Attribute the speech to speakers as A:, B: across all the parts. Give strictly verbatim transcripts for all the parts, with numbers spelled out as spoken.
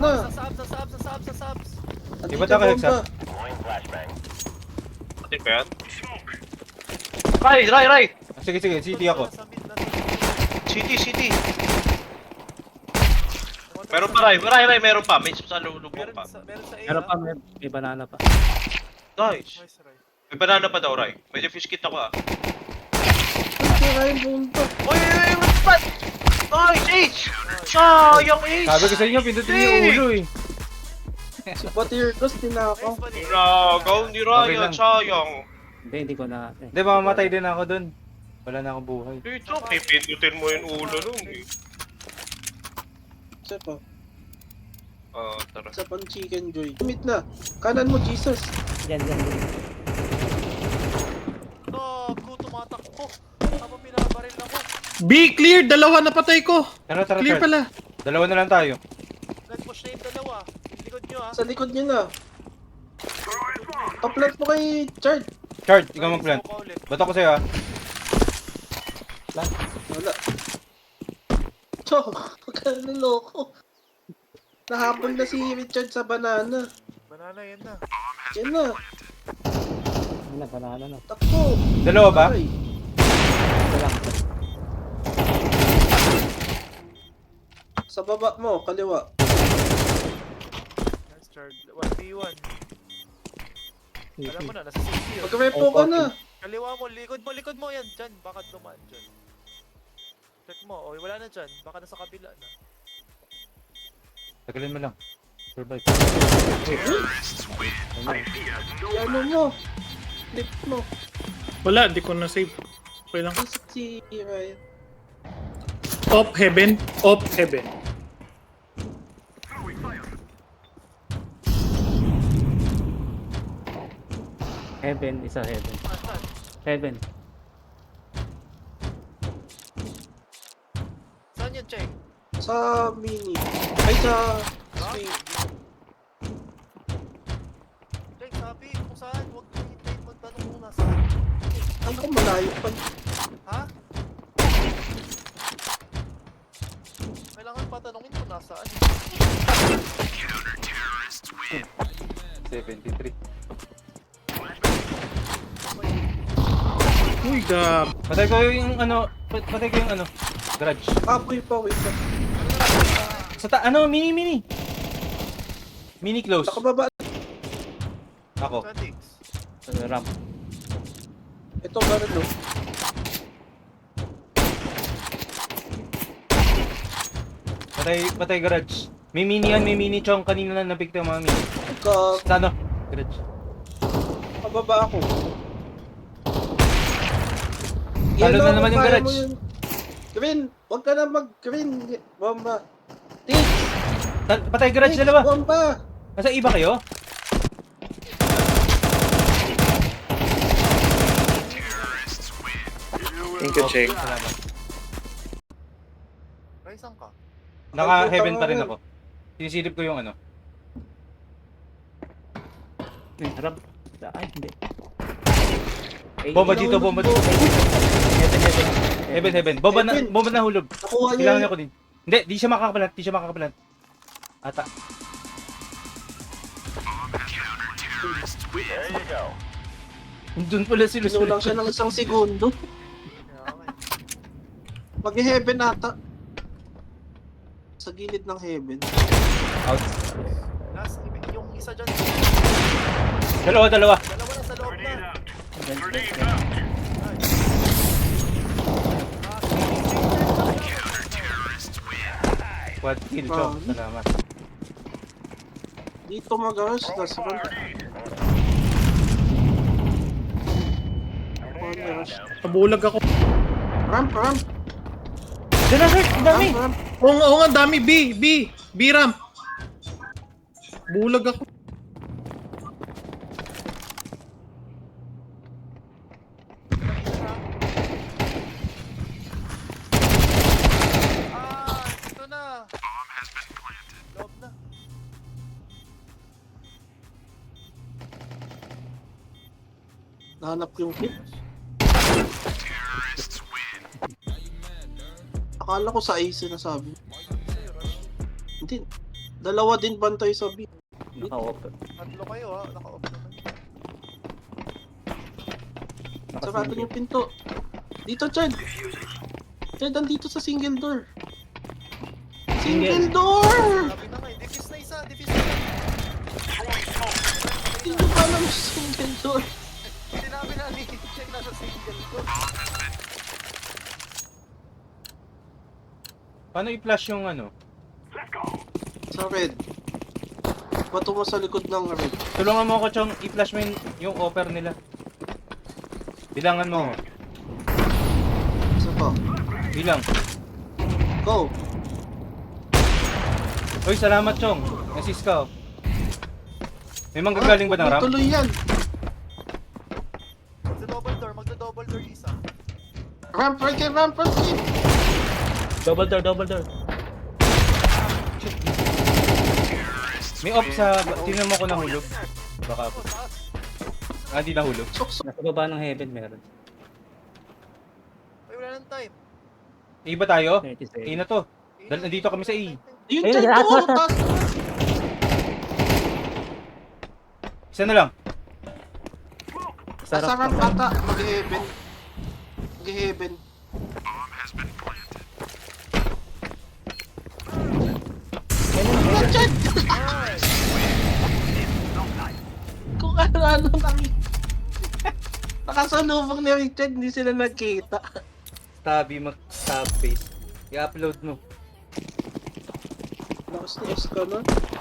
A: na.
B: Sa subs, sa subs, sa subs, sa subs.
A: Andito
C: Iba tayo
A: yung
C: Hexa.
A: bomba.
D: Pati pa yan? Ray, Ray, Ray!
C: Ah, Sige, sige, city ako.
B: Sa mid na.
D: City, city! Meron pa, Ray, Ray, Ray, meron pa. May sa lubong
B: Meron
D: pa.
B: sa, meron sa A.
E: Meron
B: ah.
E: pa, may, may banana pa.
D: Nice!
B: Nice, Ray.
D: May banana pa daw, Ray. May fish kit ako ah.
A: Sira yung bomba.
D: Oy, oy, oy, what's that? Nice, H! Sayang, H!
C: Sabi ko sa inyo, pindutin niyo yung ulo eh.
A: Si Batirdos, din ako.
B: Nice pa din.
D: Nagaw ni
C: Okay
D: Ryan,
C: lang.
D: sayang.
E: Hindi, hindi ko na... Eh.
C: Hindi, mamamatay din ako dun. Wala na akong buhay.
D: Dito, pipindutin mo yung ulo nun eh.
A: Isa pa.
D: Ah, tara.
A: Isa pang chicken joy. Tumit na. Kanan mo, Jesus.
E: Yan, yan, yan.
B: Gago, tumatakbo. Habang pinabaril ako.
F: B, clear! Dalawa napatay ko!
C: Tara, tara,
F: Clear
C: tara.
F: pala.
C: Dalawa na lang tayo.
B: Nag-push na yung dalawa. Yung likod nyo ah.
A: Sa likod niyo na. Kaplat mo kay Chard.
C: Chard, ikaw mag-plant.
B: Isuko ka ulit.
C: Bato ko sa'yo ah.
A: Wala. Chok, pagkaliloko. Nahabol na si Richard sa banana.
B: Banana yan na.
A: Yan na.
E: Yan na, banana na.
A: Takbo.
C: Dalawa ba?
A: Aray.
E: Ito lang.
A: Sa baba mo, kaliwa.
B: Nice, Chard. one v one. Alam mo na, nasa safety yun.
A: Mag-repo ka na.
B: Kaliwa mo, likod mo, likod mo yan. Dyan, baka dumaan dyan. Check mo. O, wala na dyan. Baka nasa kabila na.
C: Tagalin mo lang. Survive.
A: Ano mo? Flip mo.
F: Wala, di ko na-save. Okay lang.
A: Isip si Ryan.
F: Off heaven. Off heaven.
E: Heaven, isa heaven.
B: Ah, saan?
E: Heaven.
B: Saan yan, Check?
A: Sa mini. Ay, sa swing.
B: Check, sabi kung saan. Huwag kang hintayin magtanong kung nasaan.
A: Ay, ko malayo pa.
B: Ha? Kailangan patanungin kung nasaan.
C: seventy-three.
F: Uy, gab.
C: Patay ko yung ano, pat- patay ko yung ano, garage.
A: Apoy pa, wait lang.
C: Sa ta, ano, mini, mini. Mini close.
A: Nakababa.
C: Ako.
B: Saan, Diggs?
E: Sa ramp.
A: Ito, gano'n no.
C: Patay, patay garage. May mini yan, may mini chong. Kanina na nabigta yung mga mini.
A: Ka,
C: Sa ano? Garage.
A: kababa ako.
C: Talo
A: Yellow,
C: na naman yung
A: kaya
C: garage.
A: mo yun. Green, huwag ka na mag-green. Bomba. Tig,
C: Ta- patay garage
A: Tig,
C: dalawa.
A: bomba.
C: Nasa iba kayo?
F: Thank you, Cheng.
C: Salamat.
B: Ray, saan ka?
C: Naka-heaven pa rin ako. Sinisilip ko yung ano.
E: Eh, ramp. Ay, hindi. Ay,
C: Bomba dito, bomba dito.
E: Heaven, heaven.
C: Heaven, heaven. Bomba na,
A: Heaven.
C: bomba na hulog.
A: Nakuha niya.
C: Kailangan ako din. Hindi, di siya makakapalant, di siya makakapalant. Ata. Doon pala si Luz.
A: Sinulang siya ng isang segundo.
B: Yeah, okay.
A: Mag-heaven ata. Sa gilid ng heaven.
C: Out.
B: Last, yung isa dyan.
C: Dalawa, dalawa.
B: Dalawa na sa loob na.
E: Heaven, heaven.
C: Quad kill, Chong. Salamat.
A: Dito mag-rush. Last one. Mag-rush.
F: Nabulag ako.
A: Ramp, ramp.
C: Diyan na, sir. Ang dami.
A: Ramp, ramp.
F: Oo nga, oo nga, dami. B, B. B ramp. Bulag ako.
B: Ah, ito na. Loob na.
A: Nahanap yung hit. Akala ko sa ace na sabi. Hindi. Dalawa din bantay sa B.
E: Naka-open.
B: Tatlo kayo ha, naka-off naman.
A: Sarado yung pinto. Dito, Chad. Chad, andito sa single door. Single door!
B: Sabi na nga eh, defuse na isa, defuse na isa.
A: Hindi ko pa alam yung single door.
B: Sinabi na ni check na sa single ko.
C: Paano i-flash yung ano?
A: Sa red. Bato mo sa likod ng red.
C: Tulungan mo ako, Chong. I-flash mo yung, yung offer nila. Bilangan mo.
A: Isa pa.
C: Bilang.
A: Go!
C: Uy, salamat, Chong. Assist ka, oh. May manggagaling ba ng ramp?
A: Tuloy yan.
B: Magda-double door, magda-double door isa.
A: Ramp right here, ramp right here.
E: Double door, double door.
C: May off sa... Tingnan mo ko nahulog. Baka po.
B: Oh, taas.
C: Ah, di nahulog.
A: Sok-sok.
E: Nasa baba ng heaven meron.
B: Ay, wala nang time.
C: A ba tayo?
E: thirty
C: A
E: seconds.
C: na to. Dahil nandito kami sa E.
A: Ayun,
E: Ayun,
A: Chad,
E: lahat,
A: oo,
E: lahat.
A: taas.
C: Isa na lang.
A: Sa ramp ata, mag-heaven. Mag-heaven. Ayun, Chad! Kung ano-ano lang. Nakasalubong ni Richard, hindi sila nagkita.
C: Tabi mag-tab face. I-upload mo.
A: Lakas-lakas ka na.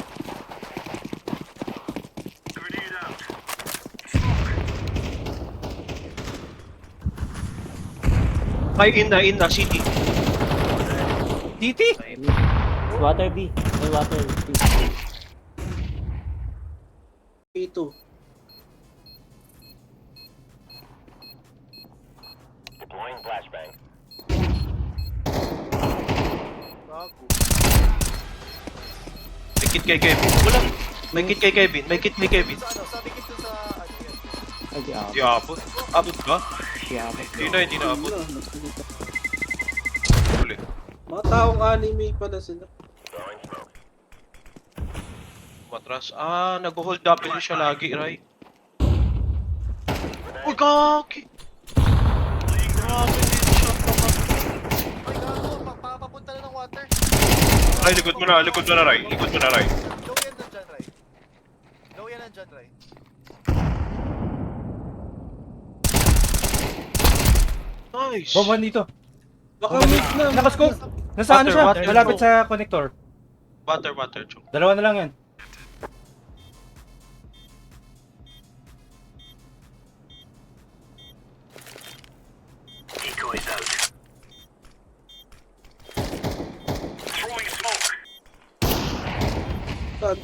D: Ay, in na, in na, city.
C: Titi!
E: Water B. May water B.
A: P two.
B: Gago.
D: May kit kay Kevin. Wala. May kit kay Kevin. May kit kay Kevin.
B: Sa ano, sabi ko sa ano yan.
E: Ay, di ako.
D: Di abot. Abot ba?
E: Di ako.
D: Hindi na, hindi na abot. Uli.
A: Mga taong anime pala sila.
D: Matras. Ah, nag-hold W siya lagi, right? Uy, kaki! Grabe din siya.
B: Ay, gago, pa- pa- papunta na ng water.
D: Ray, likod mo na, likod mo na, Ray. Likod mo na, Ray.
B: Low yan nandyan, Ray. Low yan nandyan, Ray.
D: Nice.
C: Bomban dito.
A: Baka wait na.
C: Nakascope! Nasaan
D: Water,
C: siya?
D: water.
C: Malapit sa connector.
D: Water, water, chong.
C: Dalawa na lang yan.
A: Saan?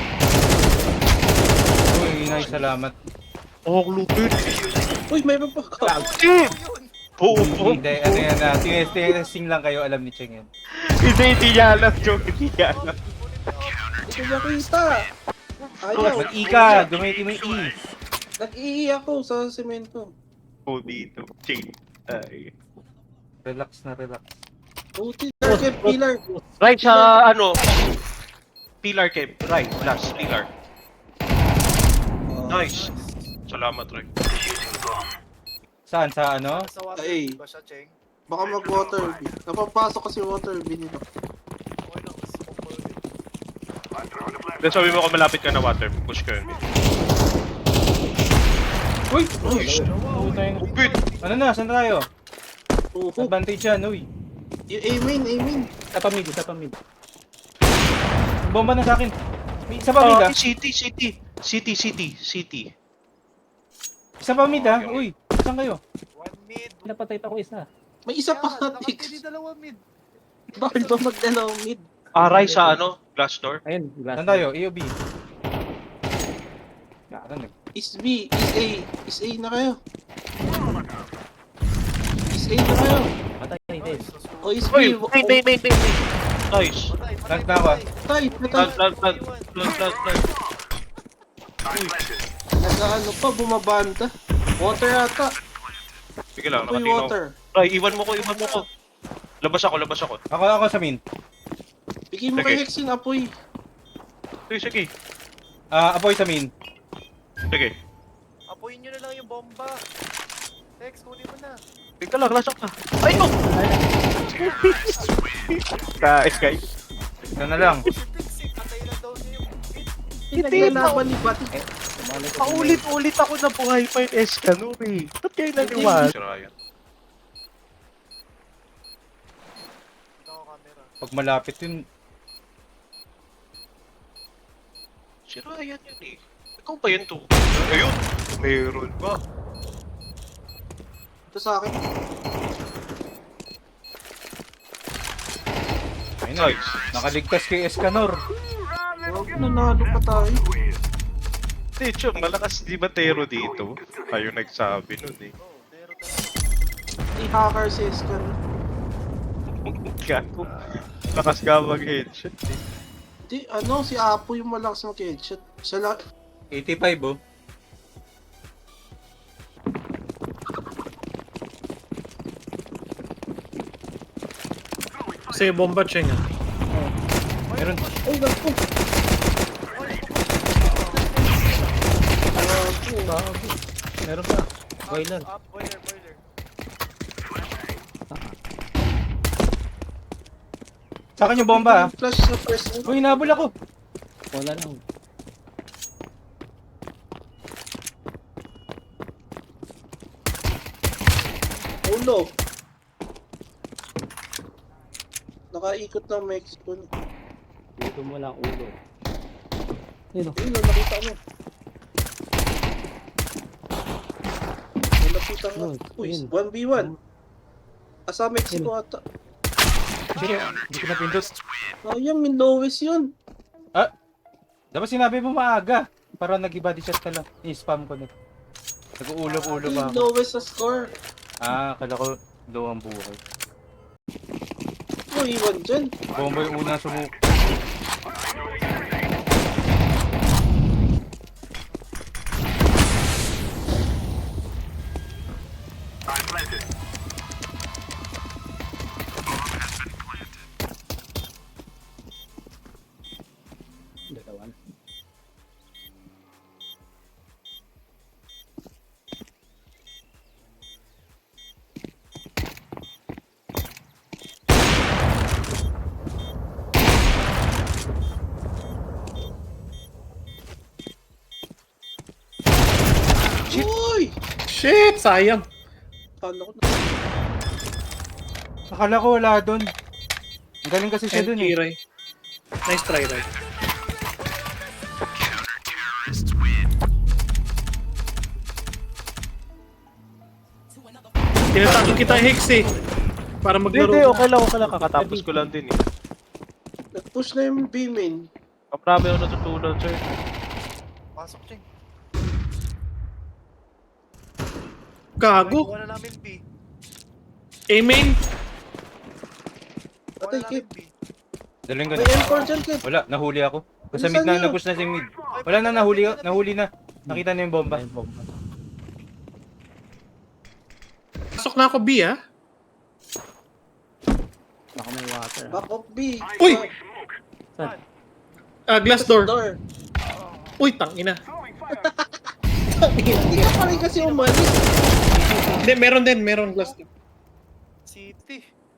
C: Uy, nice, salamat.
D: Oh, lupit.
A: Uy, mayroon pa.
D: Team! Oo,
C: Hindi, ano yan na. Testing lang kayo, alam ni Cheng yan.
D: Hindi, hindi niya alam, chong. Hindi niya alam.
A: Hindi ko nakita. Ayaw.
C: Mag-E ka, gamitin mo yung E.
A: Nag-ii ako sa semento.
D: Oh, dito. Chain. Ay.
C: Relax na, relax.
A: Buti, target pillar.
D: Right sa, ano, pillar, Kev. Right, last, pillar. Nice. Salamat, Ray.
C: Saan? Sa ano?
B: Sa water,
A: Ay.
B: ba siya, Cheng?
A: Baka mag-water B. Napapasok kasi water B nila.
B: Okay lang, smoke mo ulit.
D: Then sabi mo kung malapit ka na water, push ka yun.
C: Uy!
D: Nice.
C: Putang.
D: Upit.
C: Ano na? Saan tayo?
A: Uhu.
C: Advantage yan, uy.
A: Y- Amen, amen.
E: Isa pa mid, isa pa mid.
C: Bomba na sa akin. May isa pa mid ah.
D: Ah, city, city. City, city, city.
C: Isa pa mid ah. Uy, saan kayo?
B: One mid.
E: Napatay pa ko isa.
A: May isa pa
B: Yan,
A: Tix.
B: nakapili dalawa mid.
A: Bakit ba magdalawang mid?
D: Aray sa ano, glass door.
E: Ayun, glass.
C: Saan tayo? A o B? Ano nag...
A: Is B, is A. Is A na kayo. Is A na kayo.
E: Patay din.
A: O is
D: Uy,
A: B.
D: wait, wait, wait, wait, wait. Nice.
B: Patay, patay,
C: Nagtawa.
B: patay.
A: Tay, patay.
D: Plant, plant, plant, plant, plant, plant.
A: Nag-ano pa, bumabanta. Water ata.
D: Sige lang,
A: Uy,
D: nakatino.
A: water.
D: Ay, iwan mo ko, iwan mo ko. Labas ako, labas ako.
C: Ako, ako sa min.
A: Bigay mo kay
D: Okay.
A: Hexin apoy.
D: Sige, sige.
C: Ah, apoy sa main.
D: Sige.
B: Apoyin nyo na lang yung bomba. Tex, kunin mo na.
D: Ika lang, lasok ka. Ay, no! Guys, guys.
C: Ito na lang.
B: Si Tex, eh, patay lang daw niya yung hit.
A: Pinaglalaban ni Pati.
D: Paulit-ulit ako na buhay pa yung Escanor eh. Ba't kayo naniwala? Si Ryan.
B: Ito ako camera.
C: Pag malapit yun,
D: Si Ryan yun eh. Ikaw ba yun to? Ayun! Mayroon pa.
A: Ito sa akin.
C: ayun na. Nakaligtas kay Escanor.
A: Huwag nanalo pa tayo.
D: Hindi, Chong, malakas di Matero dito. Kayo nagsabi nun eh.
B: Oh, pero talaga.
A: Di hacker si Escan.
D: Gago. Lakas ka mag-headshot eh.
A: Di, ano, si Apo yung malakas ng headshot. Siya lang.
C: eighty-five oh.
F: Kasi bomba Cheng ah.
C: Meron.
A: Ay, gago.
E: Bago. Meron pa. Boiler.
B: Up, boiler, boiler.
C: Sa akin yung bomba ah.
A: Flash sa first.
C: Uy, nabul ako.
E: Wala lang.
A: Ulo. Nakaikot ng Mexico.
E: Dito mo lang ulo. Ayun oh.
A: Ayun, nakita mo. Nalapitan nga.
E: Ayun,
A: Uy,
E: ayun.
A: one v one. Asa Mexico ata.
C: Sige, hindi ko napindot.
A: Sayang, min lowest yun.
C: Dapat sinabi mo maaga. Para nag-body shot ka lang. I-spam ko na. Nag-uulog-ulo ba
A: Min
C: ako?
A: lowest sa score.
C: Ah, kala ko low ang buhay.
A: Uy, iwan dyan.
C: Bomba yung unang sumuk.
E: Dalawa na.
A: Uy!
F: Shit! Sayang!
A: Paano ko na?
C: Akala ko wala doon. Ang galing kasi siya doon eh.
F: Kiray. Nice try, Ray. Tinatawag kita Hex eh. Para
D: Hindi,
F: maglaro.
D: hindi, okay lang, okay lang. Kakatapos ko lang din eh.
A: Nag-push na yung B-main.
D: Marami ako natutunan, sir.
B: Pasok, Cheng.
F: Gago.
B: Wala namin B.
F: A-main.
B: Wala
A: Patay,
B: namin
A: Kip.
B: B.
C: Daling ko
A: May
C: na.
A: M four dyan, Kip.
C: Wala, nahuli ako. Sa
A: Bilisan
C: mid na,
A: niyo.
C: nag-push na si mid. Wala na, nahuli, nahuli na. Nakita na yung bomba.
E: Ayun, bomba.
F: Pasok na ako B ah.
E: Baka may water. ah.
A: Back of B.
F: Uy!
E: Saan?
F: Ah, glass door.
A: Door.
F: Uy, tangina.
A: Hindi ka pa rin kasi umalis.
F: Hindi, meron din. Meron glass door.
B: City.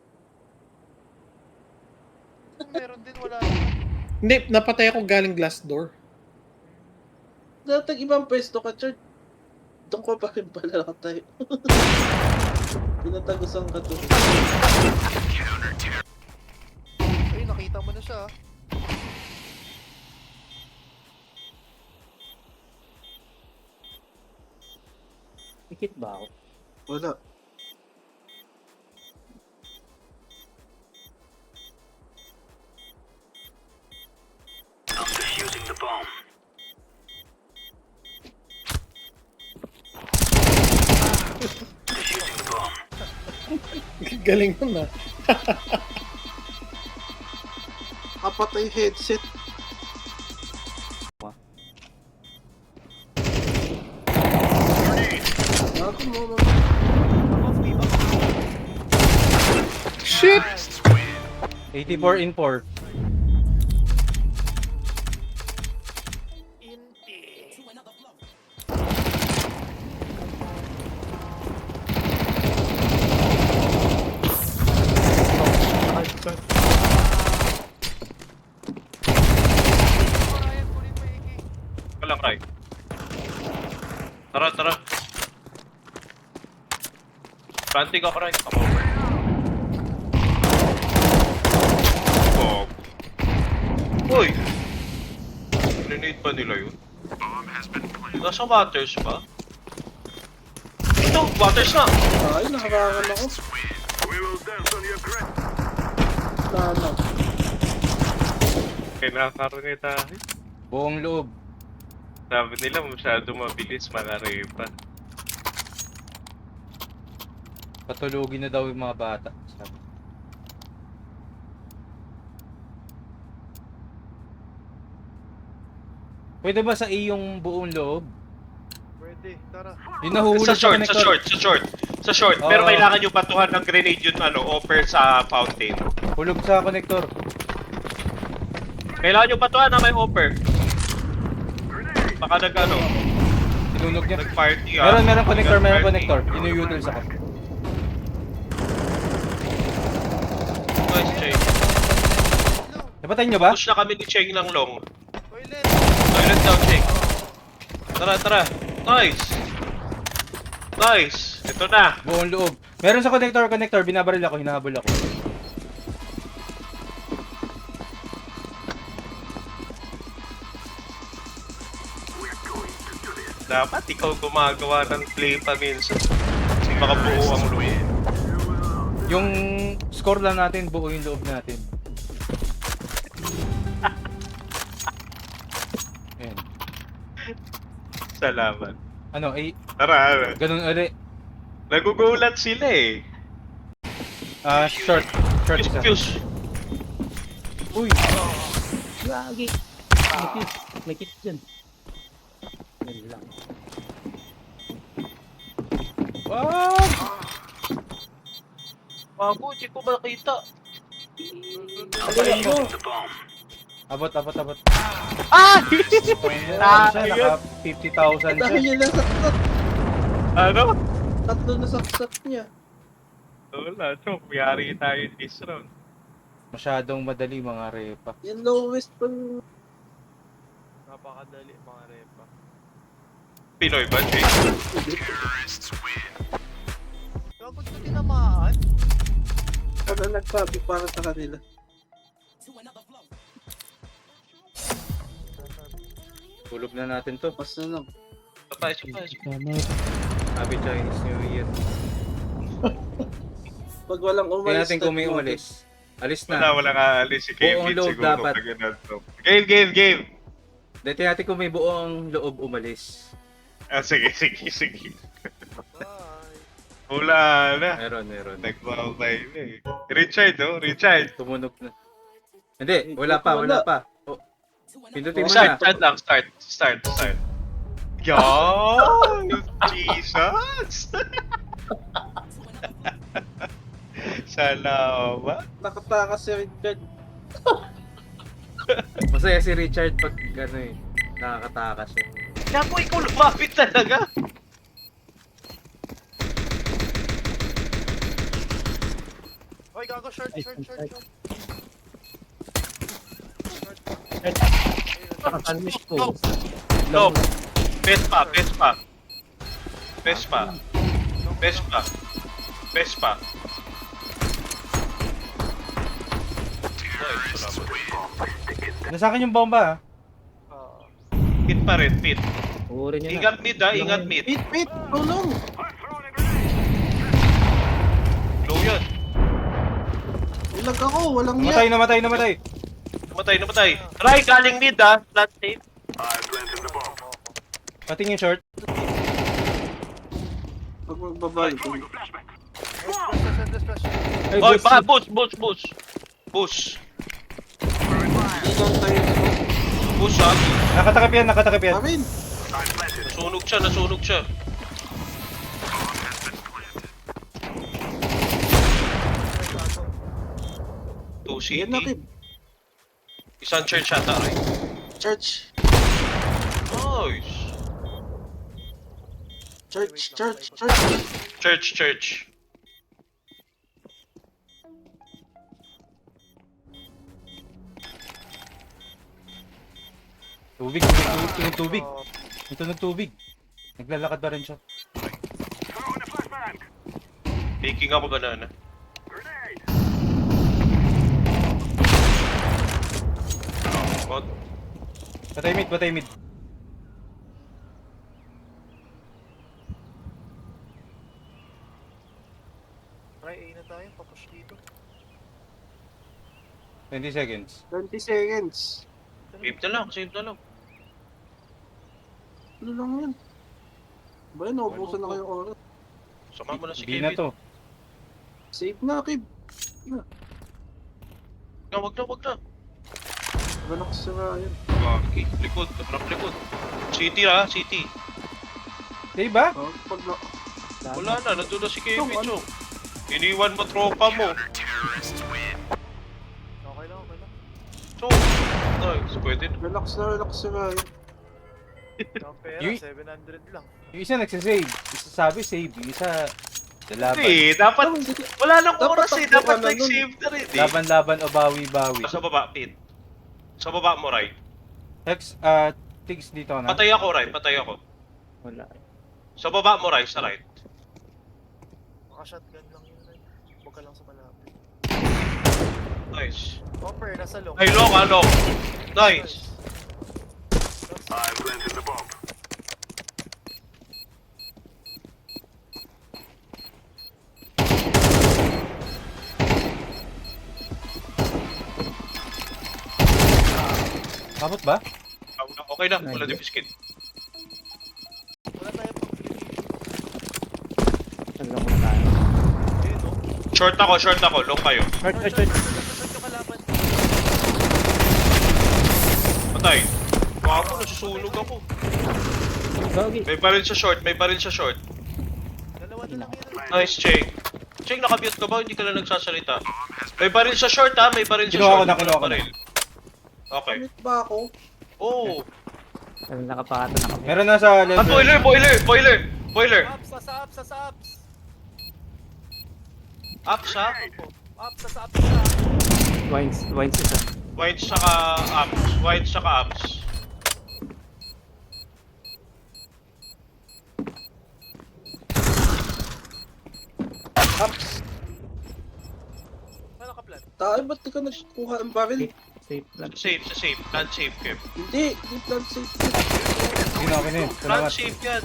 B: Kung meron din, wala.
F: Hindi, napatay ako galing glass door.
A: Datag ibang pwesto ka, Chard. Doon ko pa rin pala nakatayo. Pinatagusan ka to.
B: Ay, nakita mo na siya. ah.
E: Pikit ba ako?
A: Wala.
F: Galing nun ah.
A: Kapatay headset. Ako mo, mo.
B: Off, B, off.
F: Shit!
C: eighty-four in four.
D: Planting ako rin. Come over. Oh. Uy! Grenade pa nila yun? Nasa waters ba? Ito! Waters na!
A: Ay, nakakangan ako. Wala na.
D: Kinakaroon tayo.
C: Buong loob.
D: Sabi nila masyado mabilis manarepa.
C: Patulugin na daw yung mga bata. Sabi. Pwede ba sa A yung buong loob?
B: Pwede, tara.
C: Yung nahuhulog
D: Sa short, sa
C: connector.
D: short, sa short. Sa short, pero
C: Oo.
D: kailangan nyo batuhan ng grenade yun ano, offer sa fountain.
C: Hulog sa connector.
D: Kailangan nyo batuhan na may offer. Baka nag ano,
C: Sinunog niya.
D: nag-party ah.
C: Meron, meron connector, meron
D: Nag-party.
C: connector. Inuyutils ako.
D: Nice, Cheng.
C: Napatayin nyo ba?
D: Push na kami ni Cheng ng long.
B: Toilet!
D: Toilet down, Cheng. Tara, tara. Nice. Nice. Ito na.
C: Buong loob. Meron sa connector, connector. Binabaril ako, hinahabol ako.
D: Dapat ikaw gumagawa ng play pa minsan. Kasi baka buo ang loob.
C: Yung score lang natin, buo yung loob natin. Ayan.
D: Salamat.
C: Ano, ay,
D: Tara,
C: ganun uli.
D: nagugulat sila eh.
C: Ah, short. Short
D: Fuse,
C: isa.
D: fuse.
C: Uy!
E: Gagi. May kit. May kit dyan. Yan lang.
C: Wag!
D: Bago, di ko makita.
A: Alin ako.
C: Abot, abot, abot.
D: Ah!
C: Ah, siya, naka fifty thousand
A: Dahil
C: siya.
A: yun lang saksak.
D: Ano?
A: Tatlo na saksak niya.
D: Wala, so, mayari tayo this round.
C: Masyadong madali mga repa.
A: Yung lowest pang...
B: Napakadali mga repa.
D: Pinoy ba, Jake?
B: Gagod ko tinamaan.
A: Ano nagsabi para sa kanila.
C: Tulog na natin to.
A: Pas na lang.
D: Sabay, sabay, sabay.
C: Happy Chinese New Year.
A: Pag walang
C: Tingnan
A: umalis...
C: natin kung may
A: tatlo.
C: umalis. Alis
D: Wala,
C: na.
D: wala ka alis si Kevin
C: Buong loob
D: siguro.
C: dapat.
D: pag yun nato. Game, game, game!
C: Tingnan natin kung may buong loob umalis.
D: Ah, sige, sige, sige.
B: Bye!
D: Wala na.
C: Meron, meron.
D: Nagmamay na eh. Richard, oh, Richard.
C: Tumunog na. Hindi, wala pa, wala pa. Oh. Pindutin mo
D: Start,
C: na.
D: start lang, start, start, start. Yan! Jesus! Salamat.
A: Nakatakas si Richard.
C: Masaya si Richard pag ano eh, nakakatakas siya.
D: Naku, ikaw lumapit talaga.
B: Hoy, gago, short,
E: Ay,
B: short, short,
E: ay.
B: short.
E: Nakakalmish ko.
D: No, no. Vespa, Vespa. Vespa. Vespa. Vespa. Nice, salamat.
C: Nasa akin yung bomba ah.
B: Ah,
D: Hit pa rin, hit.
E: Uri niya na.
D: Ingat mid ah, ingat mid.
A: Pit, pit! Tulong!
D: Low yan.
A: Ilag ako, walang
C: Namatay,
A: niya.
C: namatay, namatay.
D: Namatay, namatay. Try, galing mid ah. Flat safe.
C: Pating yung short.
A: Pag magbabalik.
B: Flash, flash, flash, flash.
C: Ay,
D: Oy,
C: boss.
D: ba, push, push, push. Push.
A: Hindi lang tayo.
D: Push ah.
C: Nakatakip yan, nakatakip yan.
A: Amin!
D: Nasunog siya, nasunog siya. Two
A: Yan na,
D: city.
A: Kim.
D: Isang church ata rin.
A: Church.
D: Nice.
A: Church, church, church.
D: Church, church.
C: Tubig, tubig, tubig, tubig.
B: Oh,
C: Ito ng tubig. Naglalakad pa rin siya.
D: Making ako banana. Bot.
C: Patay mid, patay mid.
B: Try A na tayo, papush dito.
C: twenty seconds.
A: twenty seconds.
D: Save na lang, save na lang.
A: Ano lang yan? Ba yun, naubusan na kayong oras.
D: Sama mo na si
C: B na
D: Kevin.
C: to.
A: Save na, Kib.
D: No, wag na, wag na.
A: Balak sa Ryan.
D: Okay, likod, naprap likod. City ha, City.
C: Diba?
A: Oh, pag na...
D: Wala na, nandun na si Kevin,
A: Chong, ano?
D: Chong. Iniwan mo tropa mo.
B: Okay lang, okay lang.
D: Chong. Nice, pwede na.
A: Relax na, relax sa Ryan.
B: Ang pera,
C: Yung-
B: seven hundred lang.
C: Yung isa nagsasave. Isa sabi save. Yung isa lalaban.
D: Hindi, dapat,
A: Oh, hindi.
D: wala nang
A: Dapat
D: oras eh.
A: takbo
D: Dapat
A: ka na
D: nag-save na rin eh.
C: Laban-laban o bawi-bawi.
D: Sa baba, Pete. Sa baba mo, Rai.
C: Hex, ah, tigs dito na.
D: Patay ako, Rai. Patay ako.
E: Wala.
D: Sa baba mo, Rai. Sa right.
B: Baka shotgun lang yun. Ray. Huwag ka lang sa malapit.
D: Nice.
B: Hopper, nasa long.
D: Ay, long, ah, long. Nice.
C: Abot ba?
D: Okay na, wala din biscuit.
B: Wala tayo pang
E: Talagang muna tayo.
B: Ayun, no?
D: Short ako, short ako. Long kayo.
E: Short, short, short.
B: Short yung kalaban.
D: Patay. Wow, nasusunog ako.
E: Gogi.
D: May baril sa short, may baril sa short.
B: Dalawa na lang yun.
D: Nice, Cheng. Cheng, nakabute ka ba? Hindi ka na nagsasalita. May baril sa short ha, may baril sa
C: Kinuha ko
D: short.
C: na, kinuha ko na.
D: Baril. Okay.
A: Commit ba ako?
D: Oh.
E: Talagang nakapato na kami.
C: Meron na sa
D: Ah,
C: level.
D: boiler, boiler, boiler, boiler.
B: Ups, nasa ups, nasa ups.
D: Up sa
B: Ups, nasa ups, nasa ups.
E: Wines, wines isa.
D: white saka ups, white saka ups.
A: Ups.
B: Wala ka plan.
A: Tayo, ba't di ka nagkuha ng baril?
E: Safe lang.
D: Safe, sa safe, plan safe, Kev.
A: Hindi, hindi plan safe.
C: Sige na, okay na yun.
D: Plan
C: Salamat.
D: safe yan.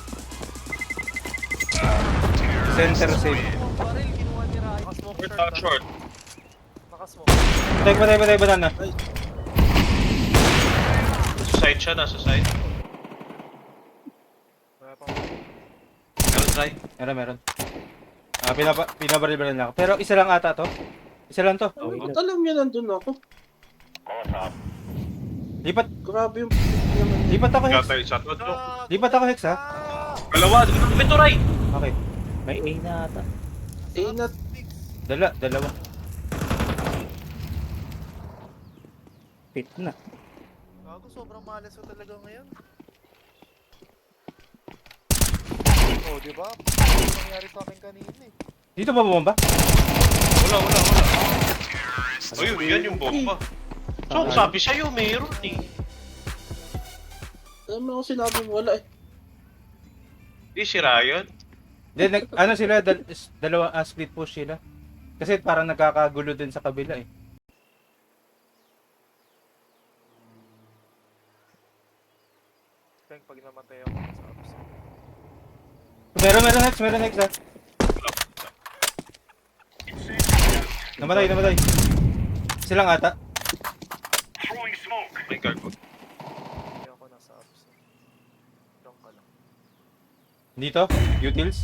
C: Center save.
B: Ang baril, kinuha ni Rai. Nakasmoke
D: Short,
B: short.
D: ah,
B: ah.
D: short.
B: Nakasmoke.
C: Patay, patay, patay, banana.
D: Sa side siya, nasa side.
B: Wala pang
D: Meron try.
C: Meron, meron. Ah, pinaba, pinabaril-baril na ako. Pero isa lang ata to. Isa lang to.
A: Oh, ba't alam niya nandun ako?
C: Lipat,
A: Grabe yung naman.
C: lipat ako, Hex.
D: Yata yung shot. Ano?
B: Ah,
C: Lipat ako, Hex, ha?
B: ah!
D: Dalawa, ito Ray.
C: Okay.
E: May A na ata.
A: Eh, na...
C: Dala, dalawa.
E: Fit na.
B: Gago, sobrang malas ko talaga ngayon. Oh, di ba? Ano nangyari sa akin kanina eh.
C: Dito ba bumamba?
D: Wala, wala, wala. Ayun, yan yung bomba. So, sabi sa'yo, meron eh.
A: Alam mo ako sinabi mo wala eh.
D: Di si Ryan.
C: Then, nag, ano sila, dal, is- dalawa, ah, split push sila. Kasi parang nagkakagulo din sa kabila eh.
B: Kaya pag namatay ako sa ups.
C: Meron, meron, Hex, meron, Hex, ha? Namatay, namatay. Silang ata.
D: May guard ko.
B: Kaya ako nasa ups. Long ka lang.
C: Dito, utils.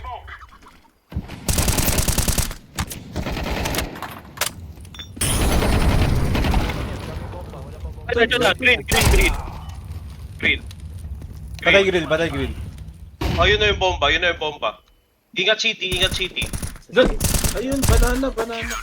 B: Wala pa bomba, wala pa bomba.
D: Ay, nandiyan na. Green, green, green. Green.
C: Patay grill, patay grill.
D: Oh, yun na yung bomba, yun na yung bomba. Ingat city, ingat city.
C: Doon!
A: Ayun, banana, banana.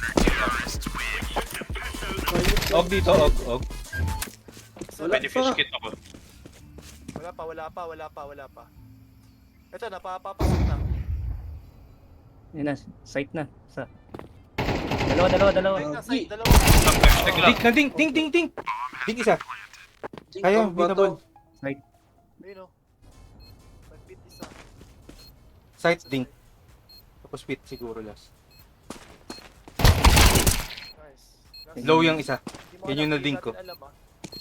C: Og dito, og, og.
A: Wala
D: Pwede
A: pa.
D: fish kit ako.
B: Wala pa, wala pa, wala pa, wala pa. Ito, napapapasok na.
E: Yan na, site na. Sa. Dalawa, dalawa, dalawa.
B: Ay, nasa side, dalawa.
D: Tag lang.
C: Ding, nanding, ding, ding, ding! Ding isa. Kaya, beatable.
E: Site.
B: Ayun o. Nag-beat isa.
C: Sight ding. Tapos pit siguro last.
B: Nice. Last-
C: Low yung isa.
B: Hindi mo
C: Yan
B: alam,
C: yung
B: hindi
C: nading ko.
B: natin alam, ah.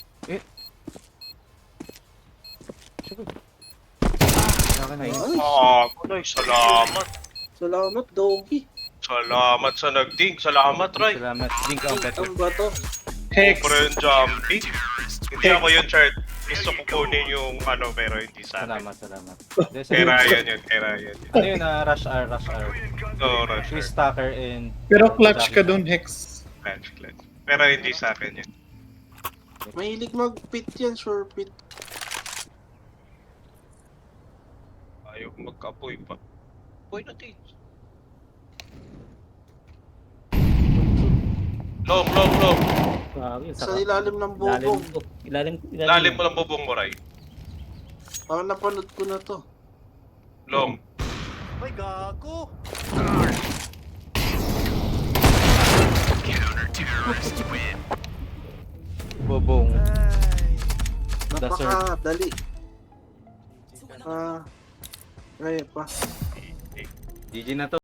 C: Saka na yun.
D: Ah, Kulay, salamat.
A: Salamat, Doggy.
D: Salamat sa nagding. Salamat, Ray.
C: Salamat. Dink ang better.
A: Ang bato.
F: Hex.
D: Friend jumping. Hindi ako yun, Chart. Gusto ko kunin yung ano, pero hindi sa akin.
C: Salamat, salamat. Hindi,
D: Kay
C: sa-
D: Ryan yun, kay Ryan yun.
C: Ano yun, ah, rush R, rush R.
D: Oo, Rush.
C: Swiss Stacker and...
F: Pero clutch ka dun, Hex.
D: Clutch, clutch. Pero hindi sa akin yun.
A: Mahilig mag-pit yan, sure pit.
D: Ayaw magka-apoy pa. Apoy natin. Long, long, long.
E: Grabe,
A: Sa
E: saka.
A: ilalim ng
E: Ilalim
A: bubong.
E: ko. Ilalim, ilalim.
D: Lalim mo lang bubong mo, Ray.
A: Parang napanood ko na to.
D: Long.
B: May gago!
C: Bobong.
B: Ay!
C: Dasher.
A: Napakadali. Ah, kaya pa.
C: G G na to.